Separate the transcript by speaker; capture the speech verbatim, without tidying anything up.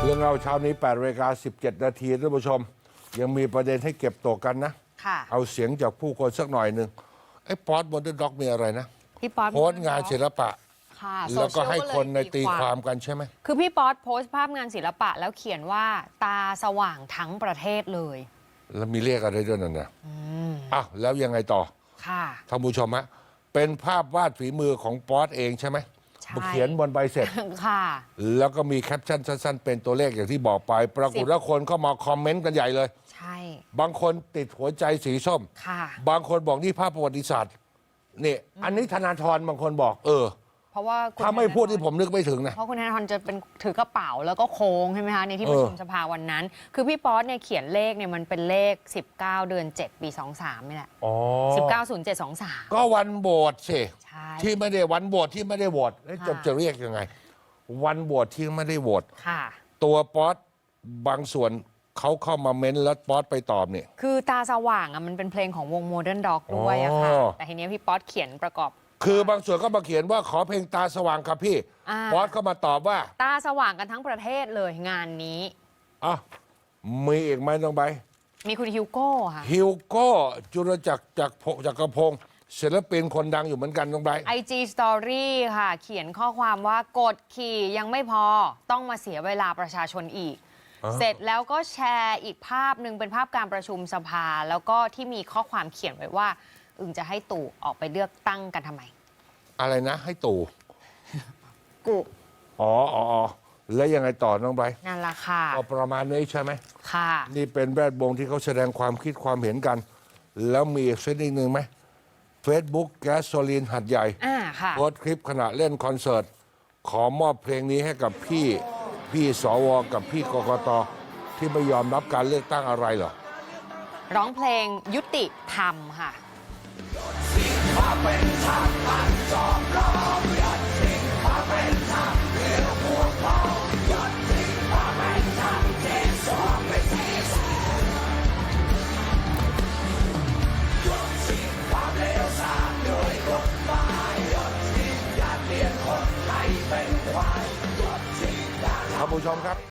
Speaker 1: เรื่องเราเช้านี้แปดนาฬิกาสิบเจ็ดนาทีท่านผู้ชมยังมีประเด็นให้เก็บตกกันนะเอาเสียงจากผู้คนสักหน่อยหนึ่งไอ้ป๊อตโมเดิร์นด็อกมีอะไรนะ
Speaker 2: พี่ป๊อต
Speaker 1: โพสต์งานศิลปะแล้วก็ให้คนในตีความกันใช่ไหม
Speaker 2: คือพี่ป๊อตโพสต์ภาพงานศิลปะแล้วเขียนว่าตาสว่างทั้งประเทศเลย
Speaker 1: แล้วมีเลขอะไรด้วยนั่นนะอ้าวแล้วยังไงต่อ
Speaker 2: ค่ะ
Speaker 1: ท่านผู้ชมฮะเป็นภาพวาดฝีมือของป๊อตเองใช่ไหมเขียนบนใบเสร็จ
Speaker 2: ค่ะ
Speaker 1: แล้วก็มีแคปชั่นสั้นๆเป็นตัวเลขอย่างที่บอกไปปรากฏว่าคนเข้ามาคอมเมนต์กันใหญ่เลย
Speaker 2: ใช่
Speaker 1: บางคนติดหัวใจสีส้ม
Speaker 2: ค่ะ
Speaker 1: บางคนบอกนี่ภาพประวัติศาสตร์นี่อันนี้ธนาธรบางคนบอกเออ
Speaker 2: เพราะว่า
Speaker 1: ถ้าไม่พูดที่ผมนึกไม่ถึงนะ
Speaker 2: เพราะคุณธนาธรจะเป็นถือกระเป๋าแล้วก็โค้งใช่ไหมคะในที่ประชุมสภาวันนั้นคือพี่ป๊อตเนี่ยเขียนเลขเนี่ยมันเป็นเลขสิบเก้าเดือนเจ็ดปีสองสามนี่แหละสิบเก้าศูนย์เจ็ดสองสาม
Speaker 1: ก็วันโหวตสิที่ไม่ได้วันโหวตที่ไม่ได้โหวตจะจะเรียกยังไงวันโหวตที่ไม่ได้โหวตตัวป๊อตบางส่วนเขาเข้ามาเม้นแล้วป๊อตไปตอบเนี่ย
Speaker 2: คือตาสว่างอ่ะมันเป็นเพลงของวงโมเดิร์นด็อกด้วยอะค่ะแต่ทีนี้พี่ป๊อตเขียนประกอบ
Speaker 1: คือบางส่วนก็มาเขียนว่าขอเพลงตาสว่างครับพี่ป๊อตก็มาตอบว่า
Speaker 2: ตาสว่างกันทั้งประเทศเลยงานนี้
Speaker 1: อ่ะมีอีกไหมน้องใบ
Speaker 2: มีคุณฮิวโก้ค่ะ
Speaker 1: ฮิวโก้จุลจักรจักรจักรพงศ์ศิลปินคนดังอยู่เหมือนกันน้องใบ
Speaker 2: ไอจีสตอรี่ค่ะเขียนข้อความว่ากดขี่ยังไม่พอต้องมาเสียเวลาประชาชนอีกเสร็จแล้วก็แชร์อีกภาพหนึ่งเป็นภาพการประชุมสภาแล้วก็ที่มีข้อความเขียนไว้ว่าอึงจะให้ตู่ออกไปเลือกตั้งกันทำไม
Speaker 1: อะไรนะให้ตู่
Speaker 2: กู
Speaker 1: อ๋ออ๋อแล้วยังไงต่อน้องไบร์
Speaker 2: นั่นแหละค่ะ
Speaker 1: ก็ประมาณนี้ใช่ไหม
Speaker 2: ค่ะ
Speaker 1: นี่เป็นแวดวงที่เขาแสดงความคิดความเห็นกันแล้วมีอีกสักนิดหนึ่งไหมเฟซบุ๊กแก๊สโซลีนหัดใหญ่โพสต์คลิปขณะเล่นคอนเสิร์ตขอมอบเพลงนี้ให้กับพี่พี่สวกับพี่กกตที่ไม่ยอมรับการเลือกตั้งอะไรเหรอ
Speaker 2: ร้องเพลงยุติธรรมค่ะ
Speaker 1: ท่านผู้ชมครับ